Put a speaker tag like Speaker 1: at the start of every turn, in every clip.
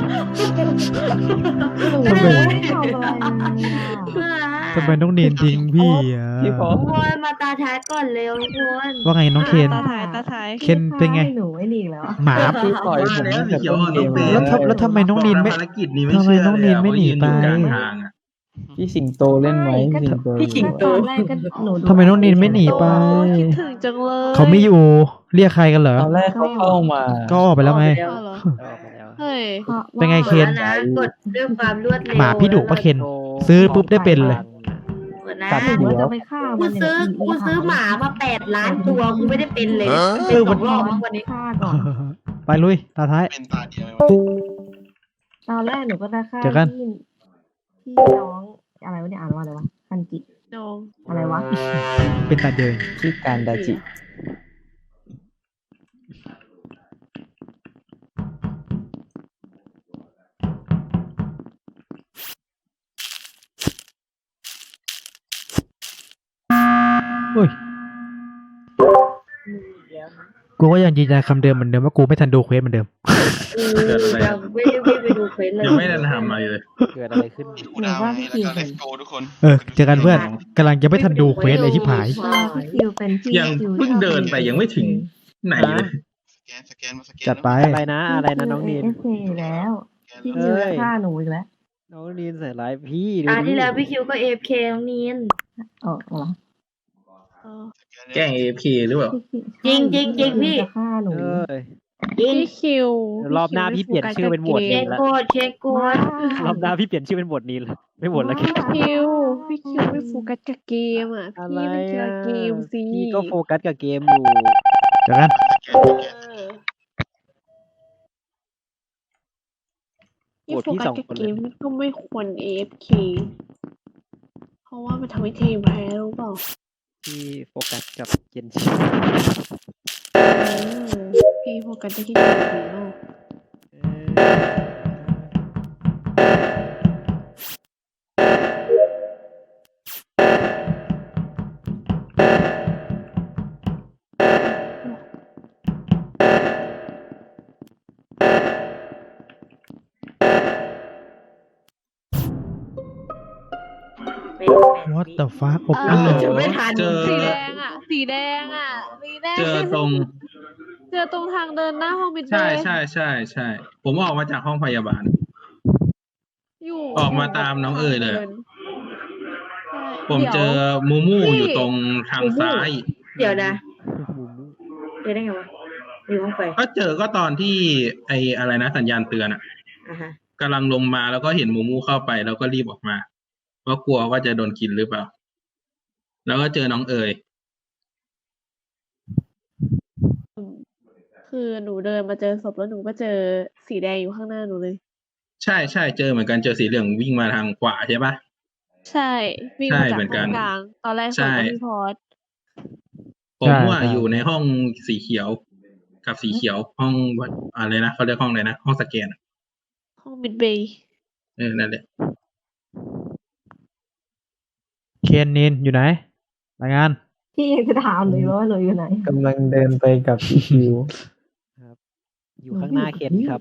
Speaker 1: ทำไม
Speaker 2: ทำไมน้องเนียนทิ้งพี่อ่ะ
Speaker 3: พี่พอ
Speaker 1: ทุกคนมาตาท้ายก่อนเร็วทุกคน
Speaker 2: ว่าไงน้องเคน
Speaker 4: ตาท้าย
Speaker 2: เคนเป็นไง
Speaker 5: หนูไอ้นี่อีกแล้ว
Speaker 2: หมา
Speaker 3: พี่ปล่อยผมตั้งแต่ต้นเกม
Speaker 2: แล้วทำไมน้องนินไม่
Speaker 6: ภารกิจนี้ไม่
Speaker 2: ทำไม
Speaker 6: เชื่อ
Speaker 2: น้องนินไม่หนีไป
Speaker 6: เพราะยือยู่กลางทางอะ
Speaker 3: พี่สิงโตเล่นไหมพี่สิงโต
Speaker 5: ตอนแรกก็หนู
Speaker 2: ทำไมน้องนินไม่หนีไป
Speaker 4: คิดถึงจังเลย
Speaker 2: เขาไม่อยู่เรียกใครกันเหรอ
Speaker 3: ตอนแรกเขาเข้ามา
Speaker 2: ก็ออกไปแล้วไง
Speaker 4: อ้าวเหรอเฮ้ย
Speaker 2: เป็นไงเคน
Speaker 1: นะกดด้วยความรวดเร็ว
Speaker 2: หมาพี่ดุปะเคน ซื้อปุ๊บได้เป็นเลย
Speaker 1: กดนะ
Speaker 3: ตัด
Speaker 5: หนู
Speaker 3: หัว
Speaker 5: จะไปฆ่า
Speaker 1: กู
Speaker 5: มัน
Speaker 1: ซื้อหมามา8 ล้านตัวกูไม่ได้เป็นเลยเป็นสองรอบมั้งวันนี้
Speaker 5: ฆ่าก่อน
Speaker 2: ไปลุยตาท้าย
Speaker 7: เป็นตาเดียว
Speaker 5: ตอนแรกหนูก็จะฆ่า
Speaker 2: เจอกัน
Speaker 5: พี่น้องอะไรวะเนี่ยอ่านว่าอะไรวะคันจิ
Speaker 4: น้อง
Speaker 5: อะไรวะ
Speaker 2: เป็นตาเดิน
Speaker 3: ที่การดาจิ
Speaker 2: อุ้ยกูก็ยังยืนยันคำเดิมเหมือนเดิมว่ากูไม่ทันดูเควสเหมือนเดิม
Speaker 1: ยังไม่ได้วิ่งไปดูเควสเลย
Speaker 6: ยังไม่ได้ทำอะไรเลย
Speaker 3: เกิดอะไรขึ้น
Speaker 7: มีกูดาวให้แล้วก็เลฟโกทุกคน
Speaker 2: เจอกันเพื่อนกำลังจะไม่ทันดูเควสเลยที่ผาย
Speaker 5: พี่คิวเป็นพี่
Speaker 6: ยังเพิ่งเดินไปยังไม่ถึงไหนเลย
Speaker 7: สแกนมาสแกน
Speaker 2: จัดไป
Speaker 3: อะไรนะน้องนิน
Speaker 5: เอฟเคแล้วพี่คิวจะฆ่าหนูอีกแล้ว
Speaker 3: น้องนินใส่ร้ายพี่ดู
Speaker 1: ที่แล้วพี่คิวก็ AFK น้องนีน
Speaker 5: อ๋อเหรอ
Speaker 6: แกล้ง AFK หรือเปล่า
Speaker 1: จริงจริงจริงพี่
Speaker 5: จะฆ่าหนู
Speaker 3: เอ้ย
Speaker 1: จริง
Speaker 4: พี่คิว
Speaker 3: รอบหน้าพี่เปลี่ยนชื่อเป็นโหวต
Speaker 1: เช็คโกดเช็คโกด
Speaker 3: รอบหน้าพี่เปลี่ยนชื่อเป็นบทนี้เลยไม่บทแล้วแค่
Speaker 4: พี่คิวไม่โฟกัสกับเกมอ่ะ
Speaker 3: อะไร
Speaker 4: พี่ไม่เกี่ยวกับเกมสิ
Speaker 3: พี่ก็โฟกัสกับเกมอยู่
Speaker 2: เจอกัน
Speaker 4: พี่โฟกัสกับเกมก็ไม่ควร AFK เพราะว่ามันทำให้ทีมแพ้รู้เปล่า
Speaker 3: พี่โฟกัสกับเจนชิ
Speaker 4: พี่โฟกัสได้แค่เกมเดียว
Speaker 2: What the fuck อบ
Speaker 4: อ้า
Speaker 2: อุ่
Speaker 4: วน
Speaker 1: จะไม่ทัน
Speaker 6: เจอ
Speaker 4: สีแดงอ่ะสีแดง
Speaker 6: เจอตรง
Speaker 4: เจอตรงทางเดินหน้าห้องมิดเดิ
Speaker 6: ใช่
Speaker 4: ล
Speaker 6: ใช่ใช่ใช่ผมออกมาจากห้องพยาบาล
Speaker 4: อยู่
Speaker 6: ออกมาตามน้องเอ๋ยเลย
Speaker 4: ใช่
Speaker 6: ผมเจอมูมูอยู่ตรงทางซ้าย
Speaker 1: เดี๋ยวนะเจอได้ไงวะอยู่ห้องไฟ
Speaker 6: ก็เจอก็ตอนที่ไออะไรนะสัญญาณเตือนอ่ะ
Speaker 1: อ่ะฮะ
Speaker 6: กำลังลงมาแล้วก็เห็นมูมูเข้าไปแล้วก็รีบออกมาเพราะกลัวว่าจะโดนกินหรือเปล่า แล้วก็เจอน้องเอ๋ย
Speaker 4: คือหนูเดินมาเจอศพแล้วหนูก็เจอสีแดงอยู่ข้างหน้าหนูเลย
Speaker 6: ใช่ใช่เจอเหมือนกันเจอสีเหลืองวิ่งมาทางขวาใช่ปะ
Speaker 4: ใช่วิ่ง
Speaker 6: ใช่
Speaker 4: มาจาก
Speaker 6: เหมือนกั
Speaker 4: ห้อน งกลางตอนแรก
Speaker 6: ใช่
Speaker 4: ผมกับพี่พอด
Speaker 6: ผมว่าอยู่ในห้องสีเขียวกับสีเขียวห้องอะไรนะเขาเรียกห้องอะไรนะห้องสแกนอะ
Speaker 4: ห้องมิดเบย์
Speaker 6: นั่นแหละ
Speaker 2: เคนนินอยู่ไหนรายงาน
Speaker 5: พี่ยังจะถามเลยว่าหนูอยู่ไหน
Speaker 3: กำลังเดินไปกับพี่คิวครับอยู่ข้างหน้าเคนครับ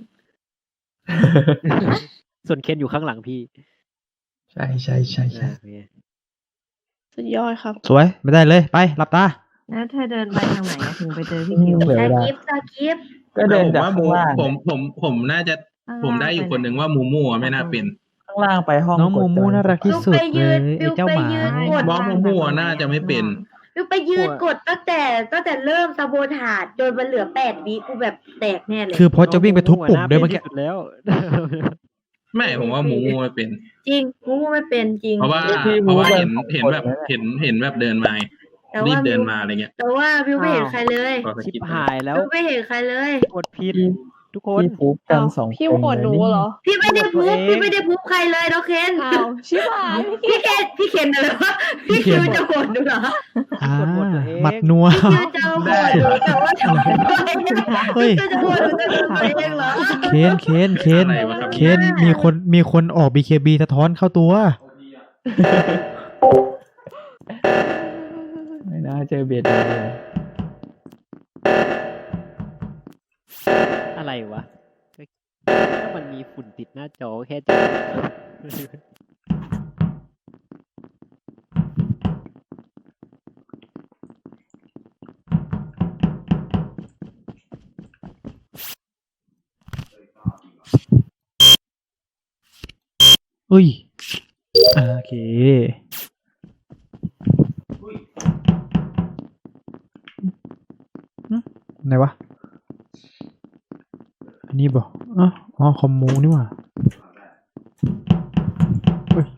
Speaker 3: ส่วนเคนอยู่ข้างหลังพี่
Speaker 8: ใช่ใช่ใช่ใช่
Speaker 3: โอเค
Speaker 4: สุดยอดครับ
Speaker 2: สวยไม่ได้เลยไปหลับตา
Speaker 5: แล้วเธอเดินไปทางไหนอะถึงไปเจอพี่คิว
Speaker 3: เหลือ
Speaker 1: ตา
Speaker 3: เวลา
Speaker 1: กิฟตากิฟ
Speaker 3: ก็เดิน
Speaker 6: ผม
Speaker 3: จาก
Speaker 6: ว่า
Speaker 3: ข้างล่าง
Speaker 6: ผมน่าจะผมได้อยู่คนหนึ่งว่ามูมูอะไม่น่าเป็น
Speaker 3: ข้างล่างไปห้อง
Speaker 2: น้องมูมูน่ารักที่
Speaker 1: บิว
Speaker 2: สุด
Speaker 1: ไป
Speaker 2: เล
Speaker 1: ยื
Speaker 2: ย
Speaker 1: น
Speaker 2: ไอ้เจ้าหมา
Speaker 1: กด
Speaker 6: บอสมูมูอะน่าจะไม่เป็น
Speaker 1: บิวไปยืนกดตั้งแต่เริ่มซาโบถาดจนมันเหลือ8 วิกูแบบแตกแน่เลย
Speaker 2: คือพอจะวิ่งไปทุบปุ่มด้วยเมื่อกี้
Speaker 3: สุดแล้ว
Speaker 6: ไม่ผมว่ามูมูไม่เป็น
Speaker 1: จริงมูมูไม่เป็นจริง
Speaker 6: เพราะว่า
Speaker 3: พี่
Speaker 6: เพราะว่า
Speaker 3: มู
Speaker 6: เห็น
Speaker 3: เป็น
Speaker 6: แบบ
Speaker 3: คนนะ
Speaker 6: เห็นแบบเดินมาไง
Speaker 1: แต่
Speaker 6: รี
Speaker 1: ว่า
Speaker 6: บเดินมาอะไรเงี้ย
Speaker 1: แต่ว่าบิวไม่เห็นใครเลย
Speaker 6: พอส
Speaker 3: ชิบ
Speaker 6: กิป
Speaker 3: หายแล้ว
Speaker 1: บิวไม่เห็นใครเลย
Speaker 3: กดผิดทุกคน
Speaker 8: พี่ฟุกกันสองคน
Speaker 4: พี่โหวตหนูเหรอ
Speaker 1: พี่ไม่ได้พู
Speaker 3: ตัว
Speaker 1: บ
Speaker 3: เอง
Speaker 1: พี่ไม่ได้พูบใครเลยน้องเคน
Speaker 4: อ้าวชิบหาย
Speaker 1: พี่เคนอะไรวะพี่คิวจะโหวตดูเหรอ
Speaker 2: อ่า
Speaker 3: กดหมดตัวเอง
Speaker 2: หมัดนัว
Speaker 1: พี่คิวจะโหวตดูแต่ว่าทำไม
Speaker 2: เฮ้ย
Speaker 1: พี่คิวจะโหวตดูแต่ตัวเองเหรอ
Speaker 2: เคน
Speaker 6: อะไรวะครับ
Speaker 2: เคนมีคนออก BKB สะท้อนเข้าตัว
Speaker 3: ไม่น่าเจอเบ็ดเลยอะไรวะแล้วมันมันมีฝุ่นติดหน้าจอแค่จอ
Speaker 2: อุ้ยโอเคไหนวะ อันนี้บ่อ๋อคอมมูนี่หว่าเฮ้ย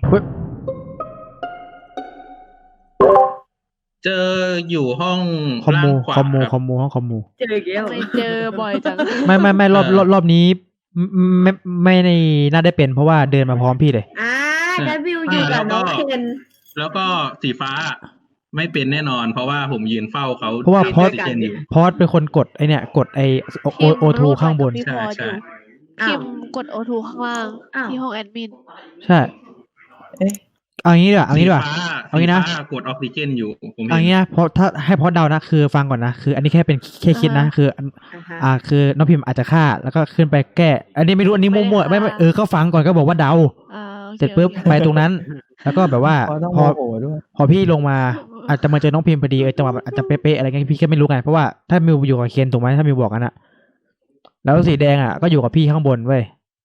Speaker 6: เจออยู่ห้อง
Speaker 2: คอม
Speaker 6: ล่า
Speaker 2: มู
Speaker 6: งขวา
Speaker 2: คอมมู
Speaker 6: ครับ
Speaker 2: คอมมูห้องคอมมู
Speaker 1: เจออีกแล้ว
Speaker 4: ทำไมเจอบ่อยจัง
Speaker 2: ไม่รอบนี้ไม่ในน่าได้เป็นเพราะว่าเดินมาพร้อมพี่เลย
Speaker 1: ดับบิวอยู่กับน้องเคน
Speaker 6: แล้วก็สีฟ้าไม่เป็นแน่นอน เพราะว่าผมยืนเฝ้าเขา
Speaker 2: เพราะว่า
Speaker 6: พอดเจนอยู่
Speaker 2: พอดเป็นคนกดไอเนี่ยกดไอโอทูข้างบน
Speaker 4: พี่พอ
Speaker 6: ใช่
Speaker 4: อยู่
Speaker 1: อ้า
Speaker 4: คิ
Speaker 1: ว
Speaker 4: มกดโอทูข้างล่าง
Speaker 1: อ้าว
Speaker 4: ที่ห้องแอดมิน
Speaker 2: ใช่
Speaker 8: เอ๊ะ
Speaker 2: เอางี้ดีกว่าเอางี้ดีกว่า เอางี้นะ
Speaker 6: สีฟ้ากดออกซิเจนอยู่ผมเห็
Speaker 2: เอา
Speaker 6: น
Speaker 2: งี้นะเพราะถ้าให้พอดเดานะคือฟังก่อนนะคือ อันนี้แค่เป็นแค่คิดนะ
Speaker 4: อ่าฮะ
Speaker 2: คือ
Speaker 1: ฮะ
Speaker 2: คือน้องพิมพ์อาจจะฆ่าแล้วก็ขึ้นไปแก้ อันนี้ไม่รู้อันนี้มั่วๆไม่ก็ฟังก่อนก็บอกว่าเดา
Speaker 4: โอค
Speaker 2: เสร็จปุ๊บ
Speaker 4: โอเค
Speaker 2: ไปตรงนั้น แล้วก็แบบว่า
Speaker 8: พอต้อง
Speaker 2: พ
Speaker 8: โม
Speaker 2: อ
Speaker 8: โหด้วย
Speaker 2: พอพี่ลงมาอาจจะมาเจอน้องพิมพ์พอดีจังหวะมันอาจจะเป๊ะๆอะไรเงี้ยพี่ก็ไม่รู้ไงเพราะว่าถ้ามิวอยู่กับเคนถูกไหมถ้ามิวบอกกันอะแล้วสีแดงอะก็อยู่กับพี่ข้างบนเว้ย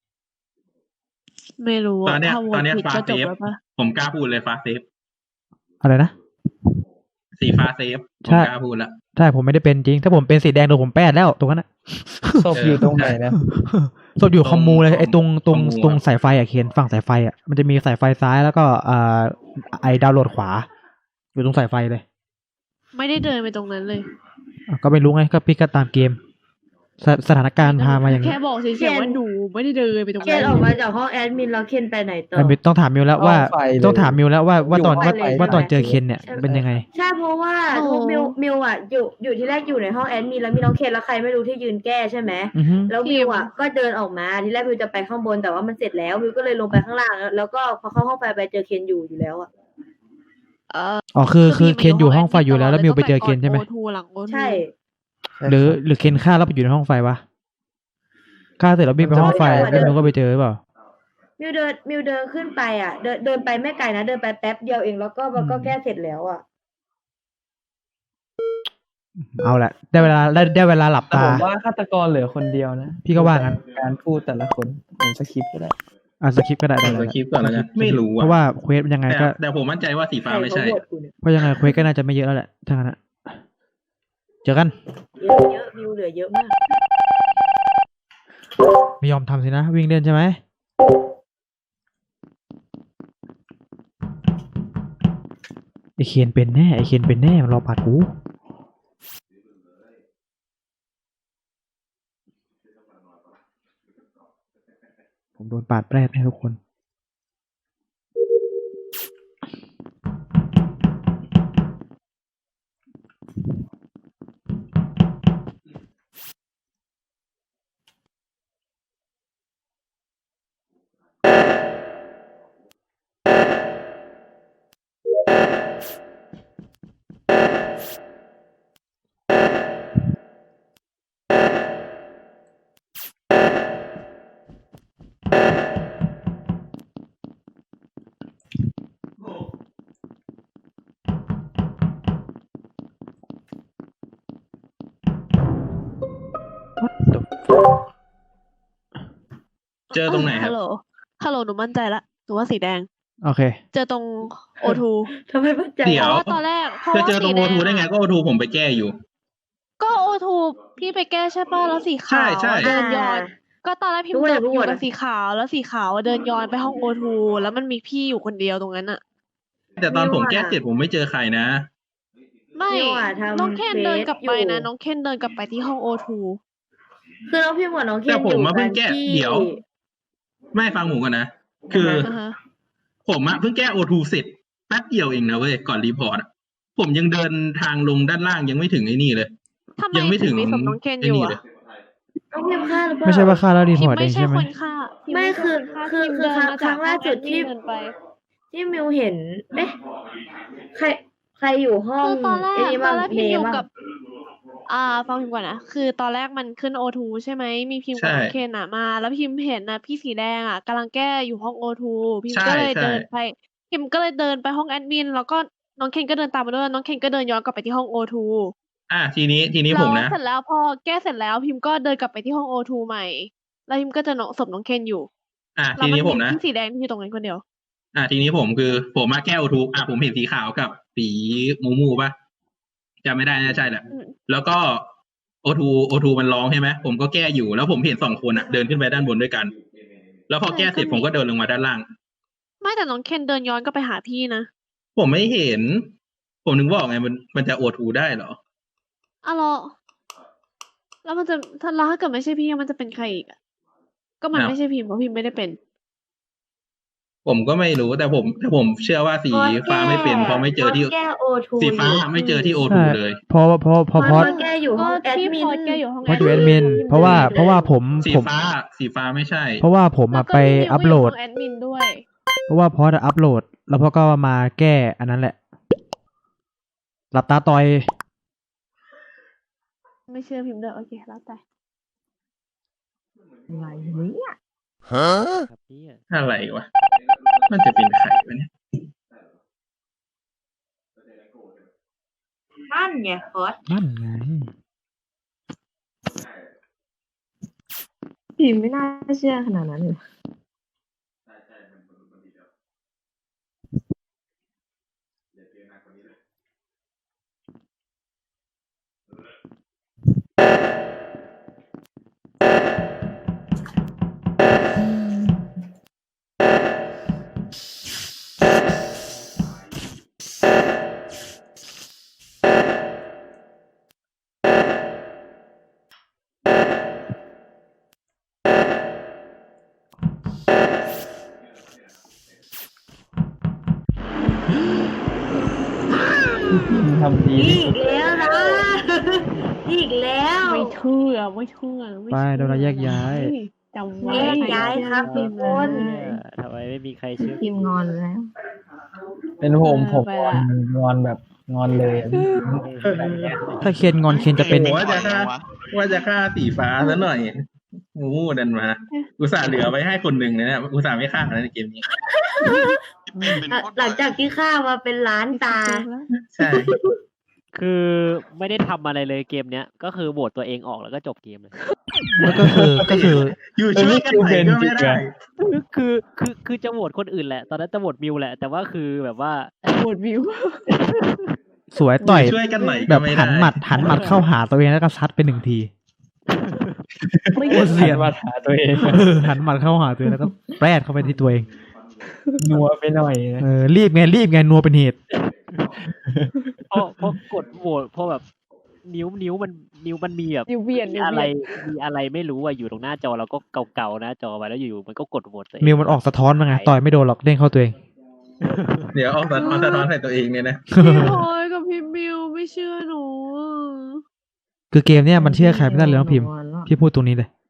Speaker 4: ไม่รู้
Speaker 6: ตอนเนี้ย
Speaker 4: ถ้าโหว
Speaker 6: ตอ
Speaker 4: ต
Speaker 6: นเนี้ย
Speaker 4: ผิด
Speaker 6: ฟ้า
Speaker 4: ก็
Speaker 6: เซ
Speaker 4: จบ
Speaker 6: ฟ
Speaker 4: แล้วปะ
Speaker 6: ผมกล้าพูดเลยฟ้าเซฟ
Speaker 2: อะไรนะ
Speaker 6: สีฟ้าเซฟผ
Speaker 2: ใช่
Speaker 6: มกล้าพูดละ
Speaker 2: ใช่ผมไม่ได้เป็นจริง ถ้าผมเป็นสีแดงโดนผมแปดแล้วตรงนั้นอะ
Speaker 8: ศพอยู่ตรงไหนนะ
Speaker 2: ศพอยู่คอมมูเลยไอ้ตรง
Speaker 6: คอมมู
Speaker 2: ตรงสายไฟอะเคนฝั่งสายไฟอะมันจะมีสายไฟซ้ายแล้วก็ไอดาวน์โหลดขวา อยู่ตรงสายไฟเลย
Speaker 4: ไม่ได้เดินไปตรงนั้นเลย
Speaker 2: ก็ไม่รู้ไงก็พี่ก็ตามเกม สถานการณ์พามาอย่าง
Speaker 4: แค่
Speaker 2: นี้
Speaker 4: บอกเฉยๆว่าหนูไม่ได้เดินไปตรง
Speaker 1: เคน
Speaker 4: นั้น
Speaker 1: ออกมาจากห้องแอดมินแล้วเคนไปไหนต่อ
Speaker 2: ต้องถามมิวแล้วว่า
Speaker 8: ห้องไฟเลย
Speaker 2: ต้องถามมิวแล้วว่าตอน
Speaker 1: อยู่ห้องไฟเลย
Speaker 2: ว่าตอนเจอเคนเนี่ย
Speaker 1: ใช่ไหม
Speaker 2: เป็นยังไง
Speaker 1: ใช่เพราะว่าทุกมิวอ่ะอยู่ที่แรกอยู่ในห้องแอดมินแล้วมีน้องเคนแล้วใครไม่รู้ที่ยืนแก้ใช่ไหม
Speaker 2: อือฮึ
Speaker 1: แล้วมิวอ่ะก็เดินออกมาทีแรกมิวจะไปข้างบนแต่ว่ามันเสร็จแล้วมิวก็เลยลงไปข้างล่างแล้วก็พอเข้าห้องไฟไปเจอเคนอยู่แล้วอ่ะ
Speaker 2: อ๋อคือเคนอยู่ห้องไฟอยู่แล้วมิวไปเจอเคนใช่ไหม
Speaker 4: โอทูหลังโอทู
Speaker 1: ใช่
Speaker 2: หรือเคนฆ่าแล้วไปอยู่ในห้องไฟวะฆ่าเสร็จแล้ววิ่งไปห้องไฟแล้วมิวก็ไปเจอหรือเปล่า
Speaker 1: มิวเดินขึ้นไปอ่ะเดินไปไม่ไกลนะเดินไปแป๊บเดียวเองแล้วก็มันก็แก้เสร็จแล้วอ่ะ
Speaker 2: เอาละได้เวลาหลับ
Speaker 8: แต่
Speaker 2: ตา
Speaker 8: ผมว่าฆาตกรเหลือคนเดียวนะ
Speaker 2: พี่ก็ว่างั้น
Speaker 8: การพูดแต่ละคนผมสคริปต์ก็ได้
Speaker 2: สคริปต์ก็ได้
Speaker 6: ผมสคริปต์ก่อนแล้วกันไม่รู้
Speaker 2: เพราะว่าเควสยังไงก็
Speaker 6: แต่ผมมั่นใจว่าสีฟ้าไม่ใช่
Speaker 1: ใครเขาโหวตกูเนี่ย
Speaker 2: เพราะยังไงเควสก็น่าจะไม่เยอะแล้วแหละทั้งนั้นอะเจอกัน
Speaker 1: เยอะมิวเหลือเยอะมาก
Speaker 2: ไม่ยอมทำสินะวิ่งเล่นใช่ไหมไอเคนเป็นแน่มันรอปาดกูผมโดนปาดแปรแน่ทุกคน What the fuck
Speaker 6: เจอตรงไหนครั
Speaker 4: ฮั
Speaker 6: บ
Speaker 4: ลโหลหนูมั่นใจละหนูว่าสีแดง
Speaker 2: โอเค
Speaker 4: เจอตรงโอทู
Speaker 1: ทำไมมั่นใจ
Speaker 6: เดี๋ยว
Speaker 4: เพราะว่าตอนแรกเพราะ
Speaker 6: จะ
Speaker 4: ว่า
Speaker 6: เจอตรง
Speaker 4: สี
Speaker 6: โอ
Speaker 4: แด
Speaker 6: ทูได้ไงก็โอทูผมไปแก้อยู่
Speaker 4: ก็โอทูพี่ไปแก้ใช่ป่ะแล้วสีขาว
Speaker 6: ใช่
Speaker 4: เดินย้อน ก็ตอนแรกพิมพ์
Speaker 1: รู้
Speaker 4: เดิ
Speaker 1: เลย
Speaker 4: น
Speaker 1: รู้
Speaker 4: อ
Speaker 1: หม
Speaker 4: ยู่
Speaker 1: ด
Speaker 4: กับสีขาวแล้วสีขาวเดินย้อนไปห้องโอทูแล้วมันมีพี่อยู่คนเดียวตรงนั้นอะ
Speaker 6: แต่ตอนผมแก้เสร็จผมไม่เจอใครนะ
Speaker 4: ไม่
Speaker 1: มิวอะทำ
Speaker 4: น้องเคนเดินกลับไปนะ
Speaker 1: เฟซอยู่
Speaker 4: น้องเคนเดินกลับไปที่ห้องโอทู
Speaker 1: คือน้องพิมพ์กับน้องเคน
Speaker 6: แต่ผม
Speaker 1: อยู่
Speaker 6: มาเพิ่งแก้
Speaker 1: ที่
Speaker 6: เดี๋ยว ไม่ฟังผมก่อนนะ คืออ
Speaker 4: อ่าฮะ
Speaker 6: ผมอะเพิ่งแก้โอทูเสร็จแป๊บเดียวเองนะเว้ยก่อนรีพอร์ตอะผมยังเดินทางลงด้านล่างยังไม่ถึงไอ้นี่เลย
Speaker 4: ทำไม
Speaker 6: ยังไม่ถึง
Speaker 4: มีศพน้องเคน
Speaker 6: ไอ้
Speaker 4: อยู่
Speaker 6: นี่
Speaker 4: อะ
Speaker 6: เลย
Speaker 1: น้องพิมพ์ฆ่าหรือเปล่า
Speaker 2: ไม่ใช่ว่าฆ่าแล้วรี
Speaker 4: พิ
Speaker 2: พ
Speaker 4: ม
Speaker 2: อร์ต
Speaker 4: พ์
Speaker 2: เอ
Speaker 4: ไม่
Speaker 2: ง
Speaker 4: ใช่
Speaker 2: ใช่ไหม
Speaker 4: คนฆ่าพิมพ์
Speaker 1: ไม่
Speaker 4: ไม่ใช่
Speaker 1: คือ
Speaker 4: คนฆ่าพิมพ์
Speaker 1: คือ
Speaker 4: เดินมา
Speaker 1: ครั้งล่าสุดที่
Speaker 4: เดินไป
Speaker 1: ที่มิวเห็นเอ๊ะใครอยู่ห้อง
Speaker 4: คือตอนแรก
Speaker 1: ไอ้นี่
Speaker 4: ตอ
Speaker 1: บ้าง
Speaker 4: นแรก
Speaker 1: เม
Speaker 4: พิมพ์อยู่
Speaker 1: ย์บ้าง
Speaker 4: กับฟังพิมพ์ก่อนนะคือตอนแรกมันขึ้น O2 ใช่ไหมมีพิมพ์กับ
Speaker 6: ใช่
Speaker 4: น้องเคนมา แล้วพิมพ์เห็นนะพี่สีแดงกำลังแก้อยู่ห้อง O2 พิมพ์
Speaker 6: ใช่
Speaker 4: ก็เลย
Speaker 6: ใช่
Speaker 4: เดินไปพิมพ์ก็เลยเดินไปห้องแอดมินแล้วก็น้องเคนก็เดินตามมาด้วยน้องเคนก็เดินย้อนกลับไปที่ห้อง O2
Speaker 6: ทีนี้ผมนะ
Speaker 4: แล้วเสร็จแล้วพอแก้เสร็จแล้วพิมพ์ก็เดินกลับไปที่ห้อง O2 ใหม่ แล้วพิมพ์ก็เจะศพน้องเคนอยู่แล้ว
Speaker 6: ที
Speaker 4: มัน
Speaker 6: นี้ผม
Speaker 4: เห็น
Speaker 6: นะ
Speaker 4: พี่สีแดงที่อยู่ตรงนั้นคนเดียว
Speaker 6: ทีนี้ผมคือผมมาแก้โอทูผมเห็นสีขาวกับสีมูป่ะจำไม่ได้นะใช่แหละ
Speaker 4: อืม
Speaker 6: แล้วก็โอทูมันร้องใช่ไหมผมก็แก้อยู่แล้วผมเห็นสองคนเดินขึ้นไปด้านบนด้วยกัน แล้วพอแก้เสร็จผมก็เดินลงมาด้านล่าง
Speaker 4: ไม่แต่น้องเคนเดินย้อนก็ไปหาพี่นะ
Speaker 6: ผมไม่เห็น ผมนึกว่าไงมันจะโอทูได้เหรอ
Speaker 4: แล้วมันจะถ้าเกิดไม่ใช่พี่มันจะเป็นใครอีกก็มัน
Speaker 6: อ้าว
Speaker 4: ไม่ใช่พิมพ์เพราะพิมพ์ไม่ได้เป็น
Speaker 6: ผมก็ไม่รู้แต่ผมเชื่อว่าสีฟ้าไม่เป็นเพราะไม่เจอที่
Speaker 1: แก้โอทู
Speaker 6: สีฟ้าไม่เจอที่โอทู
Speaker 2: ใช่
Speaker 6: เลย
Speaker 2: เพราะ
Speaker 1: พอ
Speaker 2: เพราะ
Speaker 1: แก้อยู่ห้องแอด
Speaker 4: ที่
Speaker 1: มิ
Speaker 4: พ
Speaker 1: น
Speaker 4: อดแกอยู่ห้อง
Speaker 2: เพราะอยู่แอดมิน
Speaker 4: พิมพ์
Speaker 2: เพราะว่า
Speaker 4: จะ
Speaker 2: เพราะว่าผม
Speaker 6: สี
Speaker 2: ผม
Speaker 6: ฟ้าไม่ใช่
Speaker 2: เพราะว่าผม
Speaker 4: แล้วก็
Speaker 2: ไป
Speaker 4: พี่มิว
Speaker 2: อัพโหลด
Speaker 4: ก็อยู่ห้องแอดมินด้วย
Speaker 2: เพราะว่าพออัพโหลด แล้วพอก็มาแก้อันนั้นแหละ หลับตาต่อย
Speaker 4: ไม่เชื่อพิมพ์เด้อโอเคแล้วแต่
Speaker 5: อะไรเนี่ย
Speaker 3: ครับเนี่ย
Speaker 6: อะไรวะ มันจะเป็นใครวะเนี่ย
Speaker 1: นั่นไงฟอส
Speaker 2: นั่นไง
Speaker 5: พิมพ์ไม่น่าเชื่อขนาดนั้นเลย
Speaker 8: ทำดี
Speaker 1: อีกแล้วนะ อีกแล้ว
Speaker 4: ไม่เชื่อไม่เชื่อ
Speaker 2: ไปโดนเราแยกย้าย
Speaker 4: จำไว้
Speaker 1: แยกย้ายครับทุกคน
Speaker 3: ทำไมไม่มีใครเชื่อ
Speaker 5: พิมพ์งอนแล้ว
Speaker 8: เป็นผมงอนแบบงอนเลยอะ
Speaker 2: ถ้าเคนงอนเคนจะเป็น
Speaker 6: ว่าจะฆ่าสีฟ้าซะหน่อยงูดันมา อุตส่าห์เหลือไว้ให้คนหนึ่งเนี่ยอุตส่าห์ไม่ฆ่าในเกมนี้
Speaker 7: เป็นโคตร
Speaker 1: หลังจากที่ฆ่ามาเป็นล้านตา
Speaker 6: ใช่
Speaker 3: คือไม่ได้ทำอะไรเลยเกมเนี้ยก็คือโหวตตัวเองออกแล้วก็จบเกมเลย
Speaker 2: แล้วก็คือ
Speaker 6: อยู่ช่วยกันไหนก็ไม่ได้
Speaker 3: คือจะโหวตคนอื่นแหละ ตอนนั้นจะโหวตมิวแหละ แต่ว่าคือแบบว่า
Speaker 4: ปวดวิว
Speaker 2: สวยต่อย
Speaker 6: ช่วยกันไหน
Speaker 2: แบ
Speaker 6: ก็
Speaker 2: บ
Speaker 6: ไม่ได้
Speaker 2: หันหมัดเข้าหาตัวเองแล้วก็ซัดไปหนึ่งที
Speaker 4: ไม่
Speaker 2: โคตรเสียน
Speaker 8: มาหาตัวเอง
Speaker 2: หันหมัดเข้าหาตัวเองแล้วก็แปรดเข้าไปที่ตัวเอง
Speaker 8: นัวไปหน่อยนะ
Speaker 2: รีบไงนัวเป็นเหตุ
Speaker 3: พอกดโหวตพอแบบนิ้วมันมีแบบ
Speaker 4: นิวเวียน
Speaker 3: มีอะไรไม่รู้อยู่ตรงหน้าจอเราก็เก่าๆหน้าจอไปแล้วอยู่ๆมันก็กดโหวตตัวเอง
Speaker 2: มิวมันออกสะท้อนมาไงต่อยไม่โดนหรอกเด้งเข้าตัวเอง
Speaker 6: เดี๋ยวเอาสะท้อนใส่ตัวเองเนี่ยนะ
Speaker 4: พี่พลอยกับพี่มิวไม่เชื่อหนู
Speaker 2: คือเกมเนี้ยมันเชื่อใครไม่ได้เลยน้องพิมพ์
Speaker 5: งอนแล้ว
Speaker 2: พี่พูดตรงนี้เลย